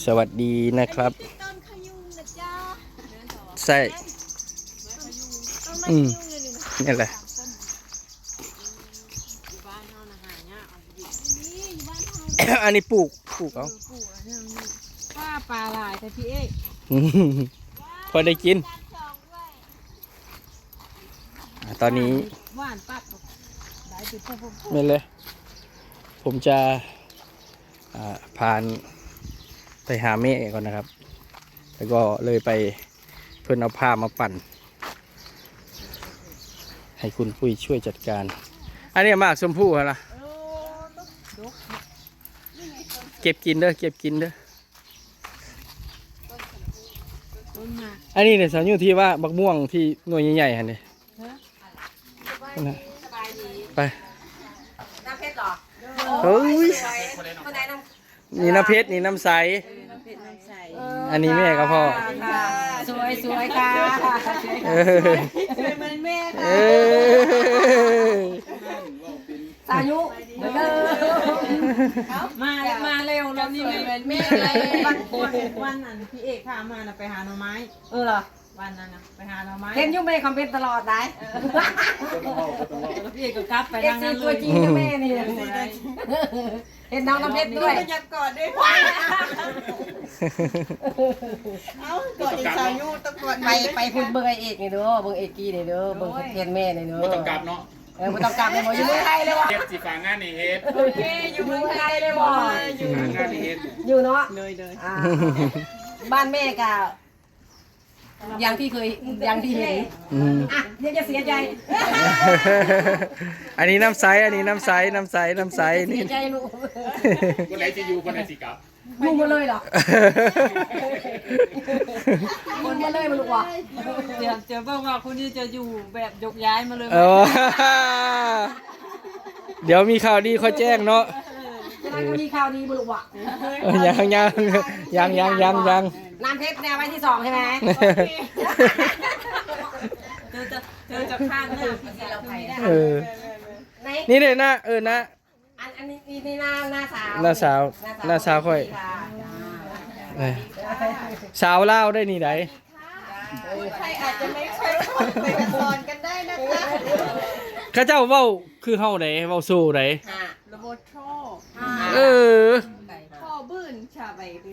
สวัสดีนะครับต้นขยุงนะจ๊ะใช่นี่แหละอันนี้ปลูกเอาป้าปลาลายแต่พี่เอ๊ะพอได้กินตอนนี้หวานปัดได้ติดปุ๊บนี่เลยผมจะพานไปหาเมฆก่อนนะครับแล้วก็เลยไปเพื่อนเอาผ้ามาปั่นให้คุณปุ้ยช่วยจัดการอันนี้มากชมพู่เหรอเก็บกินเด้อเก็บกินเด้ออันนี้เนี่ยสาวอยู่ที่ว่าบักม่วงที่หน่วยใหญ่ๆฮะเนี่ยไปน้ำเพชรหรอเฮ้ยนี่น้ำเพชรนี่น้ำใสอันนี้แม่กับพ่อสวยสวยค่ะเป็นแม่ค่ะสายุมาเร็วแล้วนี่เป็นแม่เลยวันนั้นพี่เอกพามาไปหาหน่อไม้เหรอวันนั้นนะไปหาหน่อไม้เห็นยุ่งแม่คอมเพลตตลอดได้พี่เอกก็กลับไปทางนั้นเลยตัวจริงกับแม่นี่เห็นน้องน้ำเพชรด้วยอยากกอดด้วยเอากอดอีกสาวยุ่ตะกอดไปพูดเบอร์เอกนี่เด้อเบอร์เอกกี้นี่เด้อเบอร์เทียนแม่นี่เด้อไม่ต้องกลับเนาะไม่ต้องกลับเลยบ่อยู่เมืองไทยเลยว่ะเฮ็ดสิฝากงานนี่เฮ็ดโอเคอยู่เมืองไทยเลยบ่อยู่งานนี่เฮ็ดอยู่เนาะเลยบ้านแม่ก็อย่างที่เคยอย่างที่เห็นอ่ะเดี๋ยวจะเสียใจอันนี้น้ำใสอันนี้น้ำใสนี่เสียใจลูกคนไหนจะอยู่คนไหนสิกลับอยู่มาเลยเหรอคนมาเลยมาลูกวะเดี๋ยวบอกว่าคุณนี่จะอยู่แบบยกย้ายมาเลยเดี๋ยวมีข่าวดีเขาแจ้งเนาะจะได้มีข่าวดีมาลูกวะยังน้ำเพชรแนวไว้ที่2ใช่ไหมเธอจะข้างหน้านี่เลยนะนะอันนี้หน้าสาวค่อยสาวเล่าได้นี่ไหนใครอาจจะไม่ค่อยไปสอนกันได้นะคะข้าเจ้าเว้าคือเฮาไหนเว้าสู้ไหนระบบช่อพ่อบื้นชาใบดิ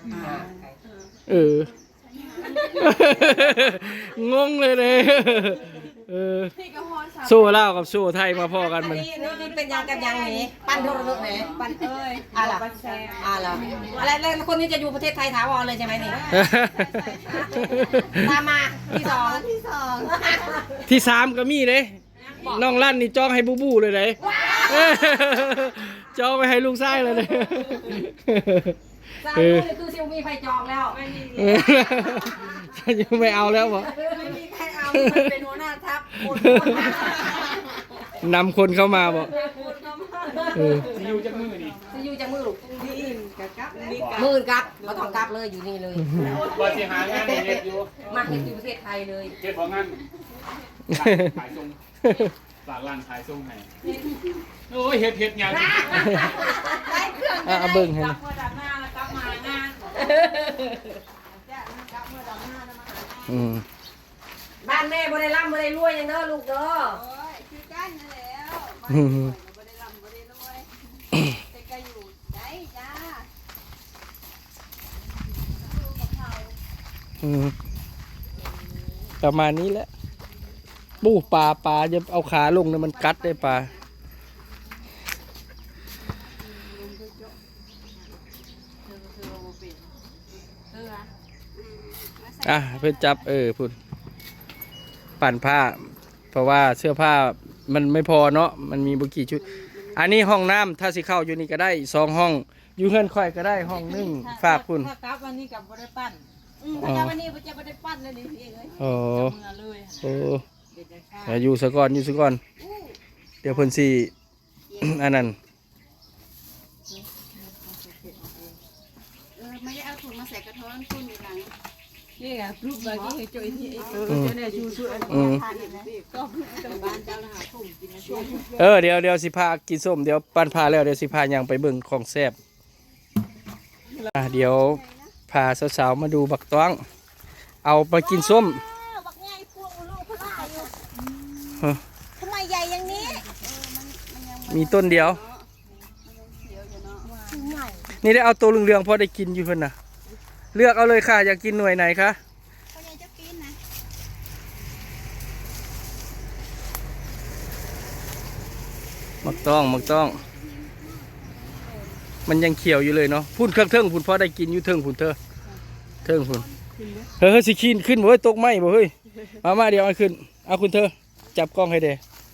งงเลยสู้เล่ากับสู้ไทยมาพ่อกันมันนี่เป็นยังกันยังนี้ปั้นโทรศัพท์ไหนปั้นอะไรแล้วคนนี้จะอยู่ประเทศไทยถาวรเลยใช่ไหมนี่ตามมาที่3ก็มีเลยน้องลั่นนี่จ้องให้บูเลยเลยจ้องไปให้ลูกชายเลยสาวนี่คือซิวมีไฟจองแล้วยังไม่เอาแล้วบ่ไม่มีใครเอาเป็นหัวหน้าทัพนำคนเข้ามาบ่จะอยู่จากมือนี่จะอยู่จากมือลูกมือกับมาต้องกลับเลยอยู่นี่เลยว่าสิหางานเฮ็ดอยู่มาเฮ็ดอยู่ประเทศไทยเลยเฮ็ดบ่งานขายส่งฝากร้านขายส่งให้โอ้ยเฮ็ดยาวจริงได้เครื่องเบิ่งให้กลับมาดับหน้าแล้วกลับมางานบ้านแม่บ่ได้ร่ำบ่ได้รวยอย่างเด้อลูกเด้อคือกันนั่นแล้วบ่ได้ร่ำบ่ได้รวยแต่ก็อยู่ได้จ้าประมาณนี้แหละปูปลาจะเอาขาลงเนี่ยมันกัดได้ปลาเพื่อจับพูดปั่นผ้าเพราะว่าเสื้อผ้ามันไม่พอเนาะมันมีบุกี่ชุดอันนี้ห้องน้ำถ้าสิเข้าอยู่นี่ก็ได้2ห้องอยู่เฮือนค่อยก็ได้ห้องนึงฝากคุณถ้ากลับวันนี้กับบ่ได้ปั้นวันนี้จะบ่ได้ปั้นเลยนี่เองอยู่ซะก่อนเดี๋ยวเพิ่นสิอันนั้นไม่ได้เอาถุงมาใส่กระท้อนคุณอยู่หลังนี่ไงรูปแบบนี้ให้จ่อยที่เนี่ยชูอันนี้ก็บ้านเจ้านะคะผมกินช่วงเดี๋ยวสิพากินส้มเดี๋ยวปั้นพาแล้วเดี๋ยวสิพายังไปเบิ่งของแซ่บเดี๋ยวพาสาวๆมาดูบักต้องเอาไปกินส้มบักใหญ่พวงลูกพลาอยู่เออทำไมใหญ่อย่างนี้มีต้นเดียวใหญ่นี่ได้เอาตัวเหลืองๆพอได้กินอยู่เพิ่นน่ะเลือกเอาเลยค่ะอยากกินหน่วยไหนคะพ่อใหญ่จะกินนะมักต้องมันยังเขียวอยู่เลยเนาะพุ่นเครื่องเทิงพุ่นพอได้กินอยู่เทิงพุ่นเธอเทิงพุ่นเฮ้ยสิขีนขึ้นบ่เฮ้ยตกไหมบ่เฮ้ยมาเดี๋ยวเอาขึ้นเอาคุณเธอจับกล้องให้เด้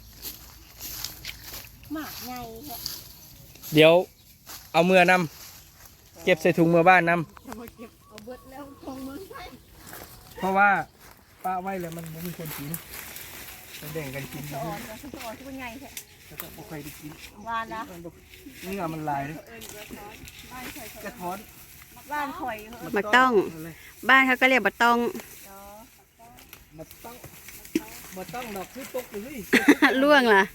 หมากใหญ่เดี๋ยวเอาเมื่อนำเก็บใส่ถุงเมื่อบ้านนำเอาเบิดแล้วคงมือใส่เพราะว่าป้าไว้แล้วมันบ่มีคนกินจะแบ่งกันกินนะอ่อนตัวใหญ่แท้แล้วก็บ่ค่อยได้กินวานนะเนื้อมันลายเลยกระท้อนบ้านข่อยบักต้อง บ้านเขาก็เรียกบักต้องมาต้องมาต้องดอกคือตกเลยล่วงล่ะ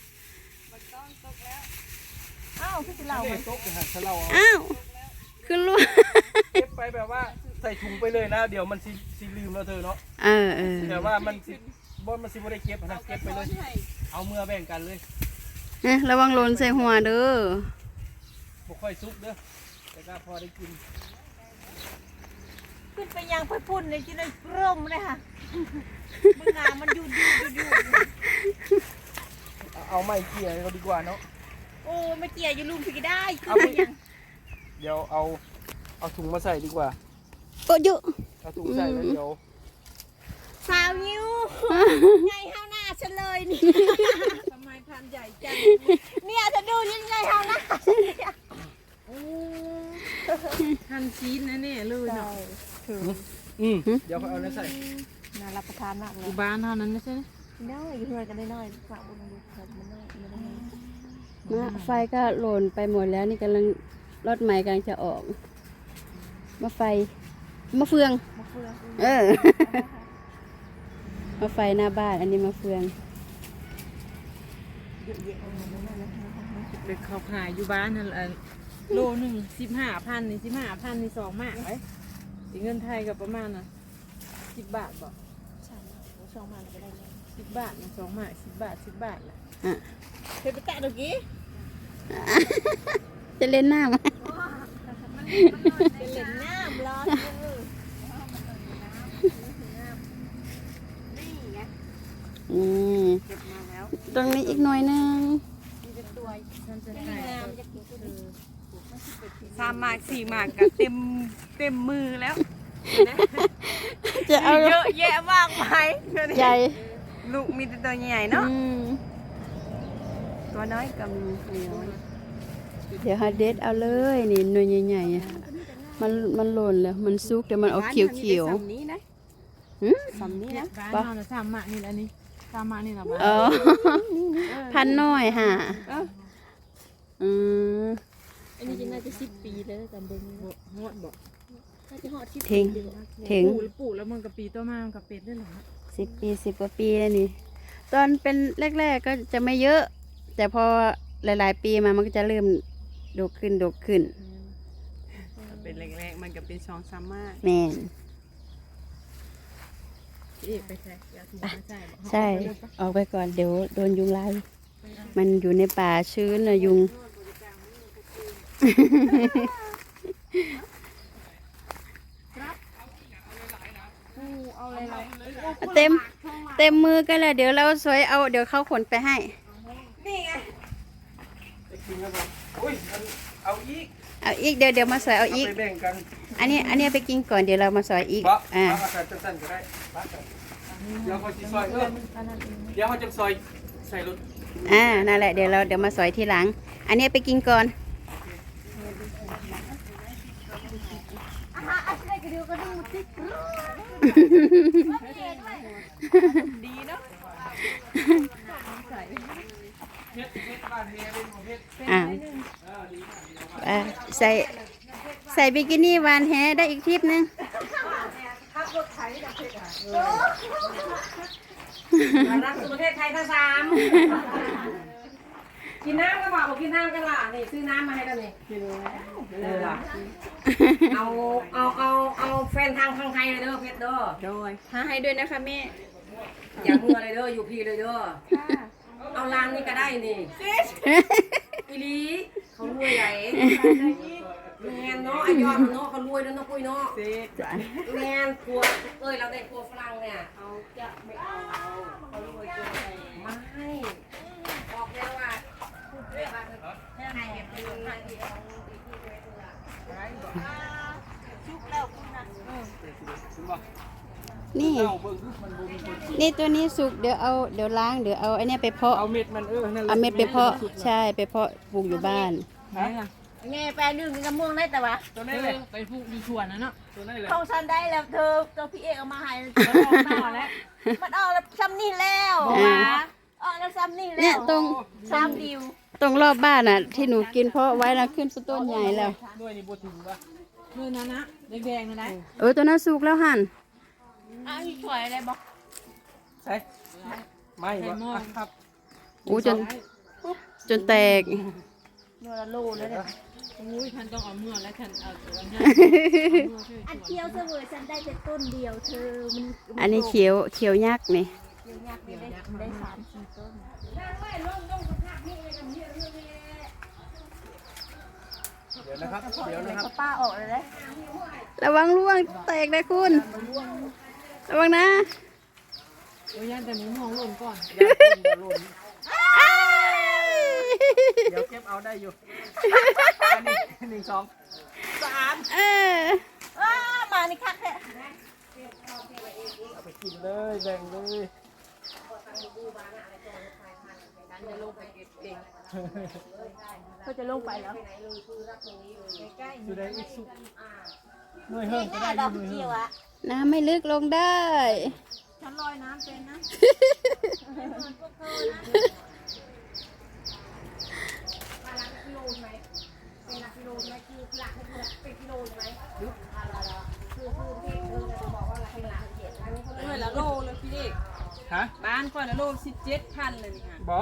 อ้าวพี่สิเราตกหันถ้าเราเอาอ้าวคือล่วงเก็บไปแบบว่าใส่ถุงไปเลยนะ เดี๋ยวมันสิลืมแล้วเธอเนาะเออแต่ว่ามันสิบ่ได้เก็บนะเก็บไปเลย เอาเมื่อแบ่งกันเลยระวังหล่นใส่หัวเด้อบ่ค่อยซุกเด้อแต่ก็พอได้กินขึ้นไปยังพ่อพุ่นเลยจะได้ร่มเลยค่ะมึงงามันอยู่เอาไม้เกี่ยเราดีกว่าเนาะโอ้ไม่เกี่ยอยู่ลุมพี่ได้ขึ้เอานไปไปยังเดี๋ยวเอาถุงมาใส่ดีกว่าโอ้ยอะเอาถุงใส่แล้วเดี๋ยวสาวยิ้วใหญ่เท่าหน้าฉันเลยนี่ทำไมพันใหญ่จังเนี่ยจะดูยังไงเท่าหน้าทันชีสนะเนี่ยเลยเนาะเดี๋ยวเอาแล้วใส่น่ารับประทานมากเลยอยู่บ้านเท่านั้นไม่ใช่ไหมได้อยู่เพื่อนกันได้น้อยฝากบุญดูเถิดมันน้อยมันน้อยไฟก็หล่นไปหมดแล้วนี่กำลังรถใหม่กำลังจะออกมาไฟมาเฟืองมาเฟืองเออ มาไฟหน้าบ้านอันนี้มาเฟืองเด็กเขาขายอยู่บ้านนั่นแหละโลหนึ่ง15,000นี่15,000นี่2 หมากไว้เงินไทยกับประมาณน่ะ10 บาทบ่ใช่ช่องมาก็ได้เลย 10 บาทนี่2 หมาก10 บาท10 บาทแหละอ่ะเคยไปแตะตะกี้จะเล่นน้ำเป็นเหรียญน้ำร้อนนี่ไงอืมเก็บมาแล้วตรงนี้อีกหน่อยนึงมีเป็นตัวฉันจะนี่ขายน้ำจะกินตัวนี้ 3 หมาก4 หมากก็เต็มมือแล้วจะเอาเยอะแยะมากมายใหญ่ลูกมีแต่ตัวใหญ่เนาะอืมตัวน้อยกับเหนียวเดี๋ยวฮาเดสเอาเลยนี่หน่วยใหญ่ๆอะมันหล่นแล้วมันซุกแต่มันออกเขียวนี้นะๆหืมสำนี้นะบ้านเรา3 หมากนี่อันนี้3 หมากนี่นะบ้านเออ พันน้อยค่ะอืมอันนี้จะน่าจะ10 ปีแล้วจำเบิ้งหอดบอกน่าจะหอด10 ถึง ถึงปลูกแล้วมันกับปีตัวมามันกับเป็ดได้หรอ 10 ปี10 กว่าปีแล้วนี่ ตอนเป็นแรกๆก็จะไม่เยอะ แต่พอหลายๆปีมามันก็จะเริ่มดกขึ้นเป็นแรกๆมันก็เป็น2-3 หมากแม่นพี่ไปใส่ยาถูกไม่ใช่บอกใช่ ออกไปก่อนเดี๋ยวโดนยุงไล่มันอยู่ในป่าชื้นนะยุงเอาอะไรเราเต็มมือกันเลยเดี๋ยวเราสวยเอาเดี๋ยวเขาขนไปให้อุ้ยเอาอีกเอาอีกเดี๋ยวมาสวยเอาอีกไปแบ่งกันอันนี้ไปกินก่อนเดี๋ยวเรามาสวยอีกบ่อ่าเอาใส่สั้นๆก็ได้บัดเดี๋ยวเขาจะซอยเดี๋ยวเขาจะซอยใส่รถนั่นแหละเดี๋ยวมาสวยทีหลัง อันนี้ไปกินก่อนดีเนาะเฮ็ดบ้านเฮ็ดเป็นเฮ็ดใส่บิกินี่วานแฮได้อีกทริปนึงรักสุประเทศไทยทั้งกินน้ำก็บอกกินน้ำกันล่ะนี่ซื้อน้ำมาให้กันนี่เอาแฟนทางไทยเลยเด้อเพชรเด้อโดยหาให้ด้วยนะคะแม่อย่าเมื่อเลยเด้ออยู่พี่เลยเด้อเอาร้านนี้ก็ได้นี่อีลีเขารวยใหญ่แมนเนาะไอยอดเนาะเขารวยแล้วเนาะปุ้ยเนาะแมนครัวเราได้ครัวฝรั่งเนี่ยเอาจะไม่เอาเขารวยเกินไปไม่บอกแล้วว่าพูดเลยว่าแค่ไหนแบบนี้ทางที่เอาดีที่ไว้ตัวละชุบแล้วคุณนะนี่เอาเบิ่งดูมันบ่มีคนกินนี่ตัวนี้สุกเดี๋ยวล้างเดี๋ยวเอาไอ้เนี่ยไปเพาะเอาเม็ดมันนั่นแหละเอาเม็ดไปเพาะใช่ไปเพาะปลูกอยู่บ้านฮะไงแปลนึ่งกระม่วงได้แต่ว่าตัวนี้แหละไปพูกอยู่ชวนนะเนาะตัวนี้แหละของฉันได้แล้วเธอตัวพี่เอกเอามาให้หน้าแล้วมันออกแล้วซ้ำนี่แล้วอ่าออกแล้วซ้ำนี่แล้วเนี่ยตรงซ้ำดิวตรงรอบบ้านน่ะ ที่หนูกินเพาะไว้แล้วขึ้นต้นใหญ่แล้วด้วยนี่บ่ถึงว่ะมือนั้นนะแดงๆนะได้ตัวนั้นสุกแล้วหั่นอ้าวนี่สวยอะไรบอกใช่ไม่บ่ครับอู้จนแตกเนื้อละโลเลยเนี่ยอุ้ยท่านต้องเอาเมื่อและท่านเอาตัวนี้อันเคี้ยวเสวยฉันได้แต่ต้นเดียวเธอมันอันนี้เขียวยักษ์นี่เดี๋ยวยากได้3-4 ต้นเดี๋ยวนะครับเดี๋ยวนะครับป้าออกเลยนะระวังร่วงแตกนะคุณ ระวังนะโอ้ยยันแต่หมูมองหล่นก่อนเดี๋ยวเก็บเอาได้อยู่อันนี้1 2 เออมานี่คักแท้เอาไปกินเลยแบ่งเลยเขาจะลงไปแล้วอยู่ได้อีกสุกหน่วยเฮิ่มก็ได้ดอกหน่วยเจีเฮิ่ยวมอะน้ำไม่ลึกลงได้ฉันลอยน้ำเป็นนะเมื่อละโลเลยพี่เด็กฮะบ้านก่อนละโล17,000เลยนี่ค่ะบ่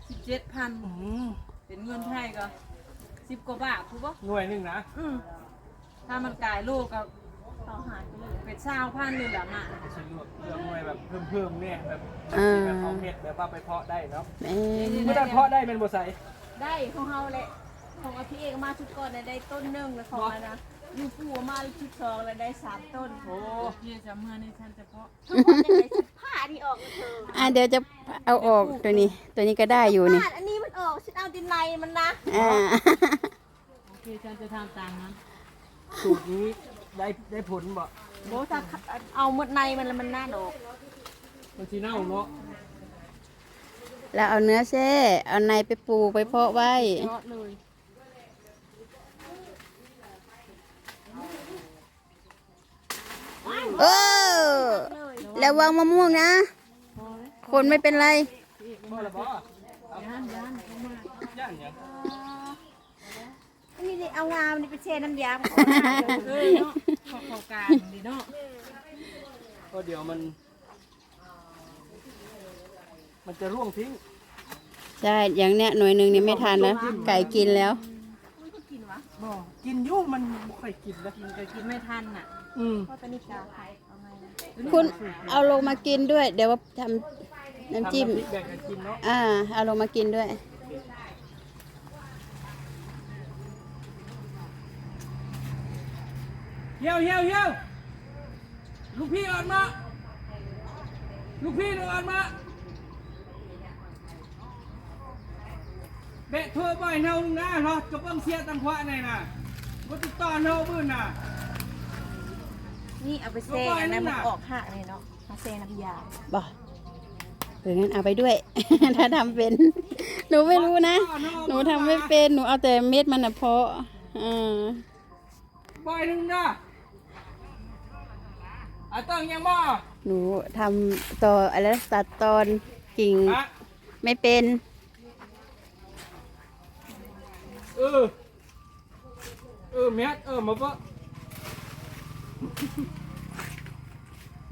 17,000เป็นเงินไทยก็10 กว่าบาทถูกปะหน่วยหนึงนะถ้ามันกลายโลก็ต่อหารไปเลยเป็น20,000เลยละมาสะดวกเรื่องหน่วยแบบเพิ่มเนี่ยแบบอ่าแบบเอาเม็ดแบบว่าไปเพาะได้เนาะแม่เมื่อได้เพาะได้เป็นบ่ใส่ได้ของเฮาแหละของพี่เอกมาชุดก่อนได้ต้นหนึ่งแล้วของมันนะยูฟูมาชุดสองแล้วได้3 ต้นโอ้พี่จะเมื่อนี่ท่านจะเพาะทั้งหมดยังไงฉันผ้านี่ออกเธอเดี๋ยวจะเอาออกตัวนี้ก็ได้อยู่นี่ผ้าอันนี้มันออกฉันเอาดินในมันนะอ่าโอเคฉันจะทำตามนั้นสูตรนี้ได้ผลบ่โบถ้าเอาหมดในมันแล้วมันน่าดอกมันสิเน่าเนาะแล้วเอาเนื้อแช่เอาในไปปลูกไปเพาะไว้ยอดเลยเออแล้ววางมะม่วงนะ คนไม่เป็นไรบ่ละบ่ย่านเข้ามาย่านหยังอันนี้ดิเอางามนี่ไปเชน้ำยาเนาะเข้ากลางดีเนาะก็เดี๋ยวมันจะร่วงทิ้งใช่ อย่างเนี้ยหน่วยหนึ่งนี่ไม่ทันแล้วไก่กินแล้วบ่กินอยู่มันบ่ค่อยกินนะมันจะกินไม่ทันน่ะเพราะตอนนี้กาขายเอาไงนะคุณเอาลงมากินด้วย เดี๋ยวว่าทำน้ำจิ้มทำน้ำพริกแบ่งกันกินเนาะเอาลงมากินด้วยเฮียวลูกพี่ออกมาลูกพี่ออกมาเบะเธอบ่อยเนานะเนาะกับเบิ้งเสียตังขวะนี่น่ะบ่ติดต่อเนาบื้นน่ะนี่เอาไปเซอันนั้นมันออกหักเลยเนาะมาเซน้ำยาบ่งั้นเอาไปด้วย ถ้าทำเป็น หนูไม่รู้นะ หนูทำไม่เป็น หนูเอาแต่เม็ดมันนะเพาะบ่อยหนึงนะต้องยังบ่หนูทำต่ออะไรนะตัดตอนกิ่งฮะไม่เป็นแม่มาบ่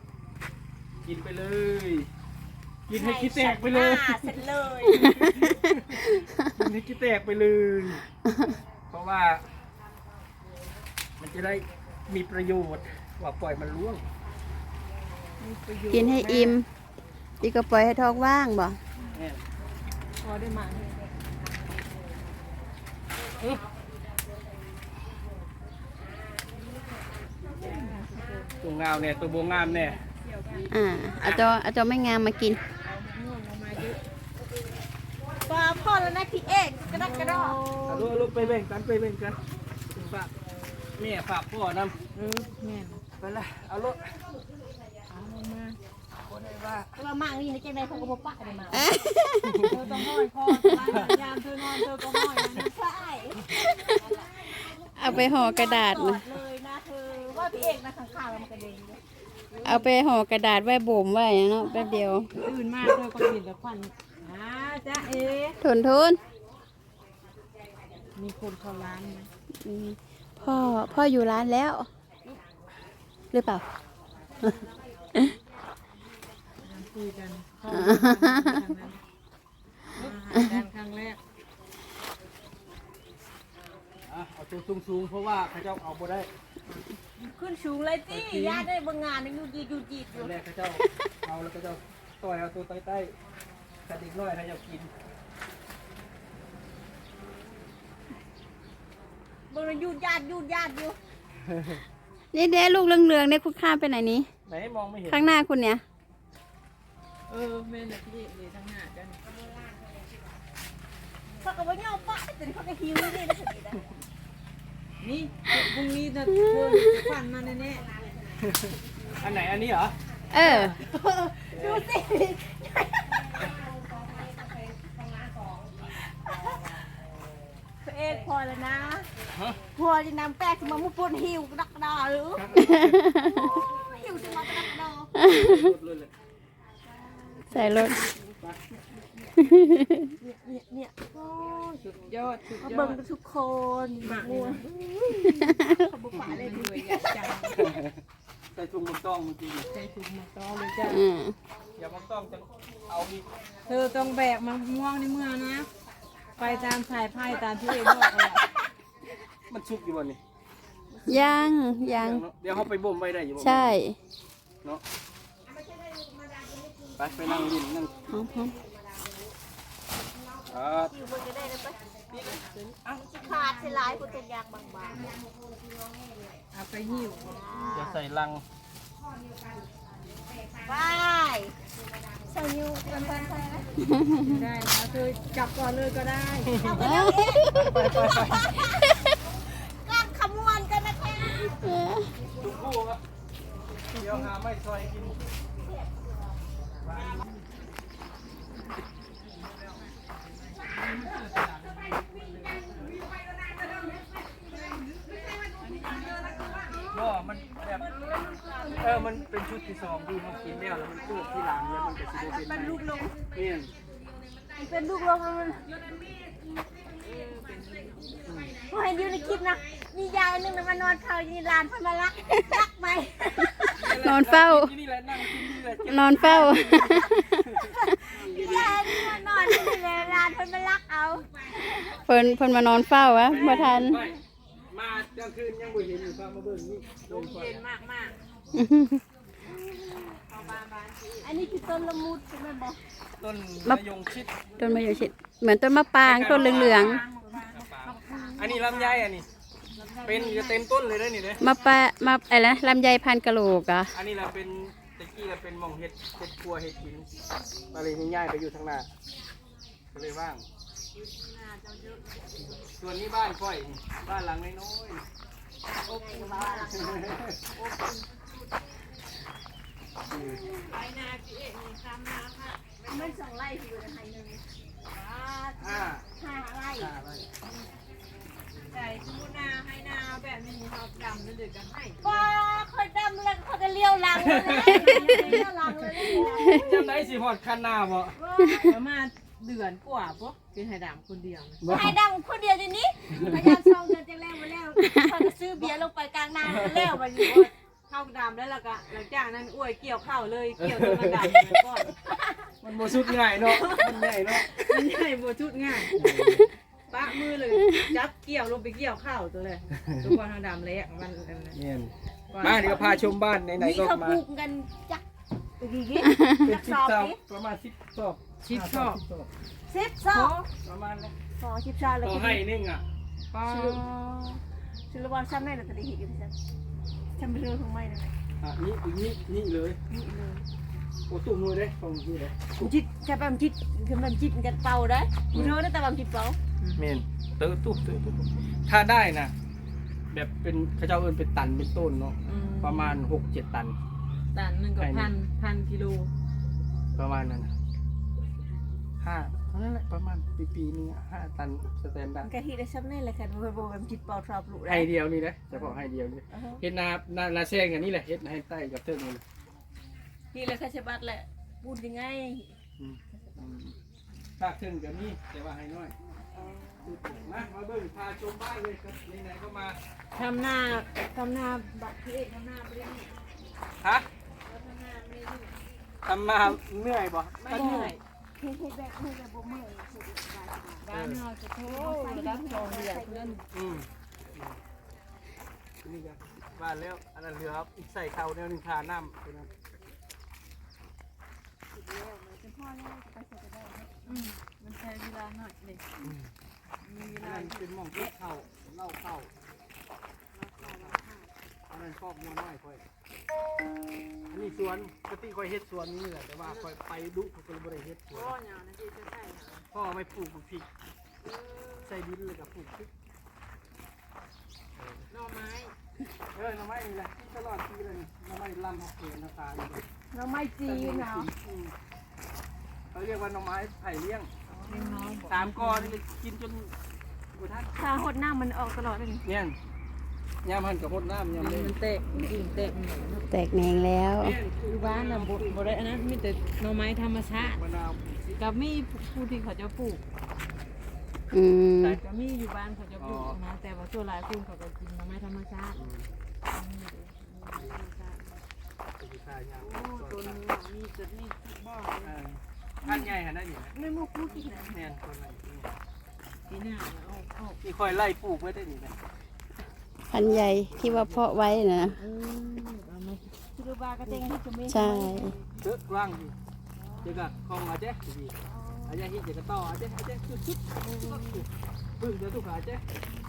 กินไปเลย กินให้คิดแตกไปเลยเสร็จเลยมันจะแตกไปเลย เพราะว่า มันจะได้มีประโยชน์ว่าปล่อยมันร่วงกินให้อิ่มดีก็ปล่อยให้ท้องว่างบ่เนี่ยพอได้มาตัวงามเนี่ยตัวโบงามเนี่ยเอาจอไม่งามมากินปลาพ่อแล้วนะพี่เอกกระดักกระดอกเอาลูกไปแบ่งกันไปแบ่งกันฝากแม่ฝากพ่อนำแม่นไปละเอาลูกเอามาคนไหนว่าเรามั่งนี่ในใจในเขาก็บอกปะได้มาเธอต้องห้อยคอร้านยามเธอนอนเธอก็ห้อยนะใช่เอาไปห่อกระดาษกอนะดเลยนะเธอว่าพี่เอกนะข้างๆมันกระเด็นเลยเอาไปห่อกระดาษไว้บ่มไว้เนาะแป๊บเดียวตื่นมาเธอก็กินแล้วควันจ้าเอ๋ทนมีคนเข้าร้านไหมอืมพ่ออยู่ร้านแล้ว หรือเปล่าคุยกันเข้าร้านนั้นอาหารกันครั้งแรกเอาตัวสูงๆเพราะว่าเขาเจ้าเอาบ่ได้ขึ้นสูงเลยจี้ญาติได้บางงานยังยูจีดอยู่แรกเขาเจ้าเอาแล้วก็เจ้าต่อยเอาตัวใต้ๆกระดิ่งน้อยเขาเจ้ากินบางยูญาติอยู่นี่เด้ลูกเหลืองๆเนี่ยคุณข้ามไปไหนนี้ไหนมองไม่เห็นข้างหน้าคุณเนี่ยแม่น่ะพี่เลยทั้งหน้าจ้ะเขาก็บอกเงาปะแต่เขาก็หิวนี่นะสุดที่ได้นี่พรุ่งนี้จะเธอจะควันมาแน่อันไหนอันนี้เหรอเออดูสิพี่เอกพอแล้วนะพอจะนำแป้งมามุปนหิวดักดอหรือหิวจะมากระดักดอใส่รถเนี่ยๆสุดยอดมาเบิ่งทุกคนหมากมัวขบุฝาเลยด้วยอยากจังใส่ถุงมันต้องเมื่อกี้ใจถุงมาต้อเลยจ้ะอย่ามันต้องจะเอาอีกเธอต้องแบกมาม่วงในเมืองนะ ไปตามสายไพ่ตามที่เอกบอกเลยมันชุกอยู่บ่นี่ยังเดี๋ยวเขาไปบ่มไว้ได้อยู่บ่ใช่เนาะไปนั่งยินนั่งพร้อมหิวมันจะได้เลยปะขาดเสียหลายคนจะยางบางเอาไปหิวเดี๋ยวใส่ลังๆไปใส่ยูเป็นพันไปไหมได้นะเธอจับก่อนเลยก็ได้เอาไปแล้วเองการขมวนกันนะคะทุกคู่ครับเดี๋ยวหาไม่ซอยกินก็มันแบบมันเป็นชุดที่สองที่เขากินแล้วมันตู้ที่หลังแล้วมันจะสิบเป็นลูกลงเนี่ยเป็นลูกลงมันพอเห็นอยู่ในคลิปนะมียายนึงมานอนเฝ้าอยู่ในลานพันมารักไหมนอนเฝ้าที่นี่แหละนั่งกินนี่แหละนอนเฝ้ายายนี่มานอนอยู่ในลานพันมารักเอาเพิ่นมานอนเฝ้าวะบ่ทันไม่มากลางคืนยังบ่เห็นอยู่ฟ้ามาเบิ่งนี่ลมเย็นมากมากอันนี้คือต้นละมุดใช่ไหมบอกต้นมะยงชิดต้นมะยงชิดเหมือนต้นมะปรางต้นเหลืองอันนี้ลำไยอันนี้เป็นจะเต็มต้นเลยเด้อนี่เด้อๆมะอะไรนะลำไยพันกะโหลกอ่ะอันนี้เราเป็นตะกี้เราเป็นหม่องเห็ดครัวเห็ดกินมาเลยนี่ย้ายไปอยู่ทางหน้าก็เลยว่างส่วนนี้บ้านค่อยบ้านหลังน้อยๆไปนาพี่เอกมีซ้ำนาค่ะไม่สองไร่อยู่ในไทยหนึ่งห้า 5 ไร่ไร่ใจสมมุตินาให้นาแบบนี้เขาดำแล้วเดือดกันให้ก็คนดำแล้วเขาจะเลี้ยวหลังเลยนะเลี้ยวหลังเลยจำได้สิหอดคันหน้าบ่ประมาณเดือนกว่าปุ๊บเป็นไข่ดำคนเดียวนะบ่ให้ดำคนเดียวทีนี้พยายาม2 เดือนจะแล้วมาแล้วเขาจะซื้อเบียร์ลงไปกลางนาแล้วมาอยู่เข้าดำแล้วล่ะก็หลังจากนั้นอ้วยเกี่ยวเข้าเลยเกี่ยวจนมันดำก่อนมันโมสุดง่ายเนาะมันใหญ่เนาะมันใหญ่บ่ชุดง่ายปะมือเลยจับเกี่ยวลงไปเกี่ยวข้าวตัวเลยทุกคนทางดำเลยมันอันนั้นเนี่ยมาเดี๋ยวพาชมบ้านไหนๆก็เขามาปลูกกันจักดีเป็นจักสิสบอบเท่านี่ประมาณ10 ศอกชิดชอบ 10สอบประมาณนั้นสอ10สอบแล้วต่อก็ให้นึงอ่ะป้าชื่อว่าซ้ำได้แล้วก็ได้เห็นอยู่ซั่นจำเรื่องของไม่นะนี่อีกนี่เลยนี่เลยโอ้ตุ้มมือเด้ของนี่เลยจิตจะแบบจิตคือมันจิตกันเป่าได้เธอได้แต่แบบจิตเป่าเมนตู้ถ้าได้นะแบบเป็นเขาเจ้าเอิ้นเป็นตันเป็นต้นเนาะประมาณ 6-7 ตันตันหนึ่งกับพันกิโลประมาณนั้นนะ5นั่นแหละประมาณปีนึง5 ตันสแตนดาร์ดก็ที่ได้ซ้ำได้แหละค่ะบ่แบบจิตเป่าชอบลูกได้ให้เดียวนี่นะเฉพาะให้เดียวนี่เฮ็ดนาแซงอันนี้แหละเฮ็ดให้ใต้กับเทิงนี่นี่แหละค่ะฉบับแหละพูดยังไงภาคเทิงกับนี่แต่ว่าให้น้อยมาเบิ่งพาชมบ้านเลยครับไหนๆก็มาทำหน้าบัตรที่เอกทำหน้าไม่ได้นี่ฮะทำหน้าไม่ได้นี่ทำมาเหนื่อยบ่ไม่เหนื่อยเฮ็ดแบบบ่เมื่อยบ้านเราจะโทษระดับรองเดือดเพื่อนนี่ก็บ้านแล้วอันนั้นเรือครับอีกใส่เข่าแนวนึงทาน้ำตัวนั้นมันใช้เวลาหน่อยเลยมีเวอันลานั้นเป็นหม่องเก็บเข่าเล่าเข่าอันนั้นครอบงัวน้อยค่อยอันนี้สวนปกติค่อยเฮ็ดสวนนี่แหละแต่ว่าค่อยไปดุเขาก็เลยบ่ได้เฮ็ดสวนพ่อเนี่ยนะที่จะใช่พ่อไม่ปลูกพริกใส่ดินเลยกับปลูกพริกหน่อไม้หน่อไม้นี่แหละกินตลอดปีเลยนี่หน่อไม้ลำเขาเกลือหน้าตาเลยเราไม่จีนเนาะเขาเรียกว่าหน่อไม้ไผ่เลี้ยงเลี้ยงน้องบอก 3 กอนี่กินจนบุทัดถ้าหดน้ำมันออกตลอดเลยเนี่ยยามหันกับพดน้ำยามเลยมันเตะกิ่งเตะแตกแหนงแล้วอยู่บ้านน่ะบ่ได้อันนั้นมีแต่หน่อไม้ธรรมชาติมะนาวกับมีผู้ที่เขาจะปลูกอืมแต่ก็มีอยู่บ้านเขาจะปลูกนะแต่ว่าส่วนหลายคนเขาก็กินหน่อไม้ธรรมชาติสีขายาวโอ้ตัวนี้มีจุดนี้บ่อท่านใหญ่ขนาดนี้ไม่มูพูดที่ไหนแน่นคนไหนปีหน้าเอานี่ค่อยไล่ปลูกไว้ได้นี่นะพันใหญ่ที่ว่าเพาะไว้นะเอามาคือบ้ากระเตงที่จะไม่ใช่เยอะกว้างดีเดี๋ยวก็คลองอาเจ๊ดีอาเจ๊ที่เดี๋ยวก็ต่ออาเจ๊ชุดพึ่งเดี๋ยวทุกอาเจ๊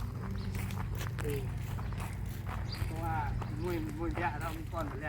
เพราะว่ามวยเยอะเรามีก้อนไปแล้ว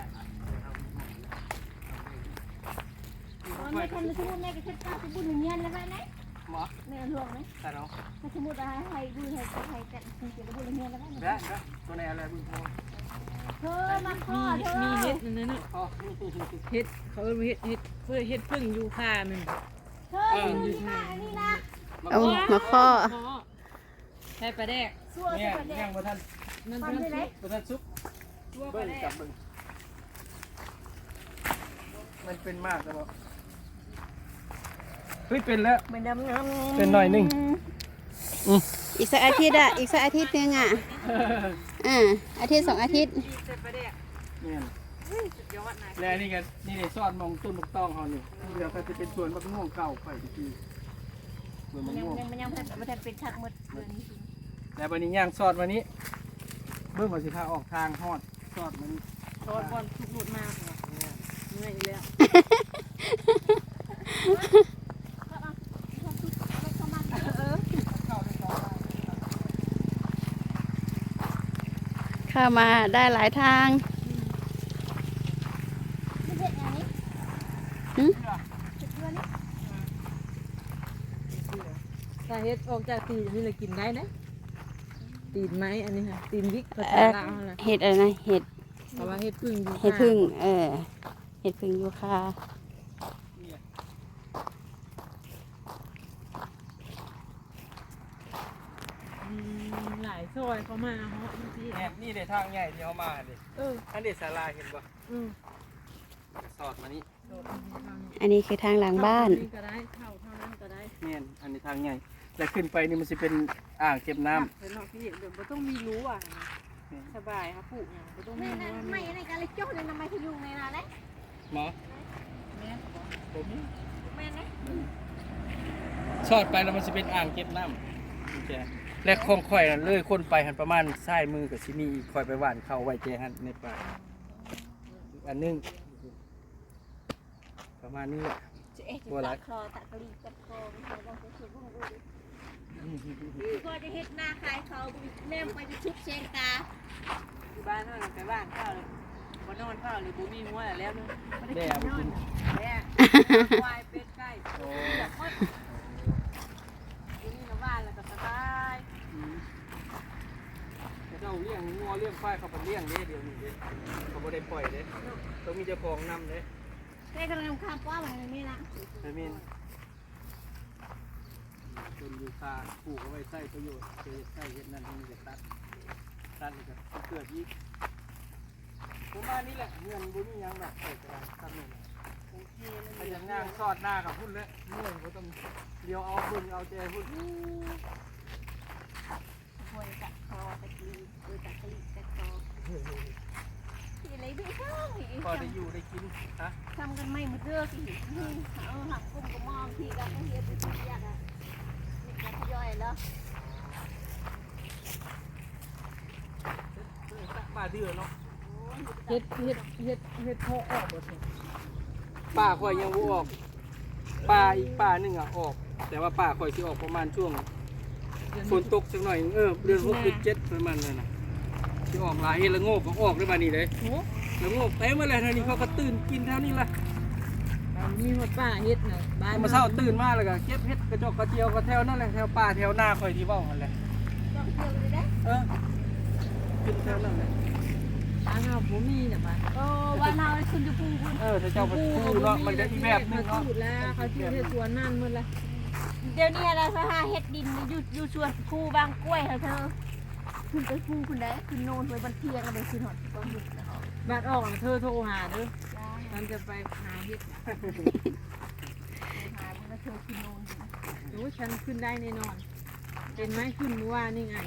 ไม่ทันสมมุติแม่ก็คิดว่าสมมุติเงี้ยแล้วไหมไหนหมอแม่หลวงไหมแต่เราถ้าสมมุติให้ดูให้กันคุณจะพูดเงี้ยแล้วไหมแบ๊ะตัวไหนอะไรบุญโพเธอมาข้อเธอมีเห็ดนั่นน่ะอ๋อเห็ดเขาเรียกเห็ดเพื่อเห็ดพึ่งยูคามันเธออยู่ที่ไหนนี่นะเอามาข้อใช่ปลาแดกสั่วเนี่ยสั่วแดยัง งบ่ทันมันฟันเป็นได้ไหมบ่ทันซุปตัวปเบิ้ลาง แดจักบเบิ้งมันเป็นมากแล้วบ่เฮ้ยเป็นแล้วเหมือนดำน้ำเป็นหน่อยหนึงอีกสักอาทิตย์อีกสักอาทิตย์นึงอาทิตย์2 อาทิตย์ใช่ปลาแดกเนี่ยสุดยอดนายและนี่ก็นี่ได้ซอดมองต้นมะตองเฮานี่เดี๋ยวก็จะเป็นสวนมะม่วงเก่าไปทีสวนมะม่วงมันยังเป็นชักหมดเดือนนี้แล้ววันนี้ย่างซอดวันนี้เบิ่งว่าสิพาออกทางฮอดซอดมันโดนบอลทุกหลุดมากเหนื่อยแล้วเข้ามาได้หลายทางไม่เสร็จอย่างนี้ถ้าเห็ดออกจากตีนนี่เลยกินได้นะตีนไม้อันนี้ค่ะตีนวิกภาษาลาวนะเห็ดอะไรนะเห็ดเพราะว่าเห็ดพึ่งยูคาเห็ดพึ่งเห็ดพึ่งยูคาหลายซอยเขามาเหาะที่แหนนี่ได้ทางใหญ่ที่เขามาดิเอออันนี้ศาลาเห็นบ่ สอดมานี้อันนี้คือทางหลังบ้านก็ได้เข้าเท่านั้นก็ได้เนี่ยอันนี้ทางใหญ่แล้วขึ้นไปนี่มันจะเป็นอ่างเก็บน้ำเป็นนอกที่เดี๋ยวไม่ต้องมีรู้อ่ะสบายครับปลูกอย่างไม่ต้องมีไม่รู้ไม่อะไรกันเลยโจ้เลยทำไมเขาอยู่ในนั้นเลยหมอผมไม่ม่นะชอดไปแล้วมันจะเป็นอ่างเก็บน้ำนี่แจและคลองข่อยน่ะเลยคนไปหันประมาณซ้ายมือกับซิมีอีกข่อยไปหว่านเข้าไว้แจหันในป่าอีกอันหนึงประมาณนี้แหละจะตะคลอตะกะลีตะคอเราต้องไปช่วยพวกดูก็จะเฮ็ดหน้าขายเขาแม่ไปจะชุบเชงตาอยู่บ้านนอนไปบ้านข้าวเลยบ่นอนข้าวเลยบ่มีหัวแล้วนึงแด่มากินแม่ควายเป็ดไก่อยากหมดอยู่นี่นะบ้านแล้วก็สบายเจ้าเลี้ยงงัวเลี้ยงควายเขาไปเลี้ยงเด้เดี๋ยวนี้เด้เขาบ่ได้ปล่อยเด้ต้องมีเจ้าของนำเด้แม่กำลังข้ามป้าอะไรนี่นะไอ้มินต้นยูคาปลูกเอาไว้ใช้ประโยชน์เกิดใช้เฮ็ดนั่นนี่จะตัดนี่ก็เกิดอีกประมาณนี้แหละเงินบ่มีหยังดอกแต่ก็ทำนี่พยายามย่างซอดหน้ากับพุ่นแล้วเมื่อยบ่ต้องเดี๋ยวเอาพุ่นเอาใจพุ่นควรตะคอตะกะลีตะกะลีตะคอที่อะไรไม่เข้าพอได้อยู่ได้กินฮะทำกันไม่หมดเรื่องสิเอาหักกุ้งกระมอมทีกันต้องเรียนไปทุกอย่างอ่ะนี่กันย่อยแล้วป้าเดือเนาะเฮ็ดพอออกบ่สิป้าข่อยยังบ่ออกป้าอีกป้าหนึงอ่ะออก แต่ว่าป้าข่อยสิออกประมาณช่วงฝนตกสักหน่อยเดือน6เดือน7ประมาณนั้นน่ะสิออกหลายเฮ็ดละโงกก็ออกได้บัดนี้เลยโอ้ละโงกเต็มมาเลยเท่านี้เขาก็ตื่นกินเท่านี้ละมีหมดป้าเฮ็ดน่ะบ้านมาเช้าตื่นมาแล้วก็เก็บเฮ็ดกระจกกระเจียวกระแถวนั่นแหละแถวป่าแถวหน้าข่อยที่เว้าหั่นแหละต้องเที่ยวเลยได้กินแถวนั้นแหละทางเราบ่มีน่ะบ้านโอ้วันเราคุณจะพูดคุณถ้าเจ้าไปพูเนาะมันจะอีกแบบหนึงเขาเนาะพูดแล้วเขาชื่อเฮ็ดสวนนั่นหมดละเดี๋ยวนี้เราหาเฮ็ดดินอยู่ชวนคูบางกล้วยเธอคุณไปคูคุณได้คุณโนนไปบันเทียงกันไปคุณหอดก็หยุดแล้วบัดออกเธอโทรหาเด้อฉันจะไปหาเฮ็ดหามันก็เธอคุณโนนโอ้ฉันขึ้นได้แน่นอนเป็นไหมขึ้นเมื่อวานนี่ไง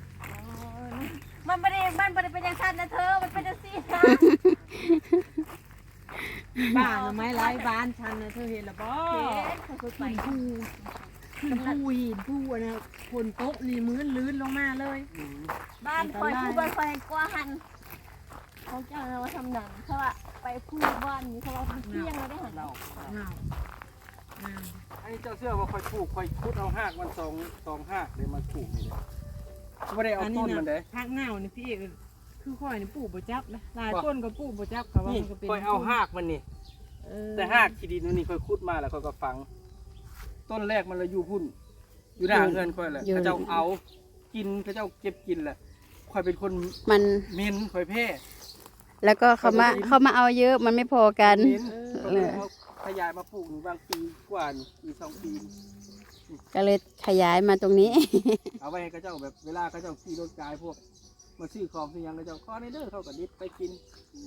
มันไม่ได้เป็นอย่างสั้นนะเธอมันเป็นอย่างซี่นะบ้านไม้ไร้บ้านฉันนะเธอเห็นหรือเปล่าเขาไปขึ้นภูหินภูอันนะคนโต๊ะนี่มื้นลื่นลงมาเลยบ้านคอยคูบ้านคอยกว่าหันเขาจะเอามาทำหนังเขาว่าไปคูบ้านนี้เขาว่าเที่ยงเราได้หันเราเงาอันนี้เจ้าเสื้อว่าข่อยปลูกข่อยขุดเอาหากมันสองหากเลยมาปลูกนี่เลยบ่ได้เอาต้นมันเด้พักเงานี่พี่เอกคือข่อยนี่ปลูกบ่จับนะหลายต้นก็ปลูกบ่จับเขาว่านี่มันก็เป็นข่อยเอาหากมันนี่แต่หากขี้ดินมันนี่ข่อยขุดมาแล้วข่อยก็ฝัง ต้นแรกมันเลยอยู่พุ่นอยู่หน้าเงินข่อยแหละเขาเจ้าเอากินเขาเจ้าเก็บกินแหละข่อยเป็นคนมันเหม็นข่อยแพ้แล้วก็เขามาเอาเยอะมันไม่พอกันเหม็นก็เลยเอาขยายมาปลูกนี่บางปีกว่านี่ปี2 ปีก็เลยขยายมาตรงนี้เอาไว้ให้เขาเจ้าแบบเวลาเขาเจ้าขี่รถกายพวกมาซื้อของซื้อหยังเขาเจ้าข้อในเด้อเขาก็ดิบไปกิน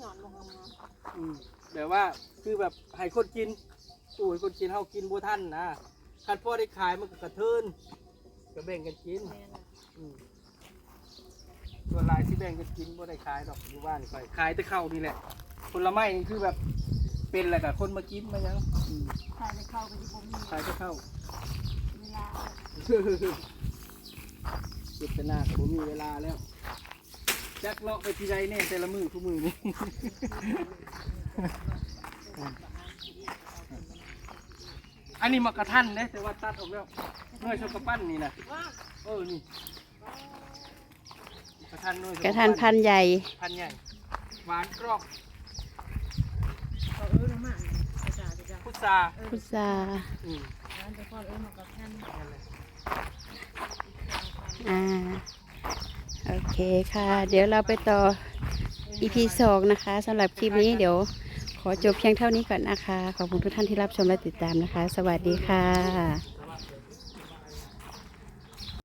แบบว่าคือแบบให้คนกินตู้ให้คนกินเฮากินบ่ทันนะคันพอได้ขายมันก็กระเทินก็แบ่งกันกินส่วนหลายที่แบ่งกันกินบ่ได้ขายดอกอยู่บ้านข่อยขายแต่ข้าวนี่แหละผลไม้นี่คือแบบเป็นอะไรกับคนมากินมาหยังใครจะเข้าไปที่ผมมีขายแต่ข้าวเวลาเจ็บแต่หน้าก็บ่มีเวลาแล้วจักเลาะไปที่ใดแน่แต่ละมือทุกมือนี่ อันนี้มากระทันเด้แต่ว่าตัดออกแล้วเนื่อยชกกระปั้นนี่นะนี่กระทันเนื่อยกระทันพันธุ์ใหญ่พันใหญ่หวานกรอบเขาลงมาจ้าพุทราพุทราร้านจะพ่อมากระทันนั่นแหละโอเคค่ะ เดี๋ยวเราไปต่อ EP 2 นะคะสำหรับคลิปนี้เดี๋ยวขอจบเพียงเท่านี้ก่อนนะคะ ขอบคุณทุกท่านที่รับชมและติดตามนะคะ สวัสดีค่ะ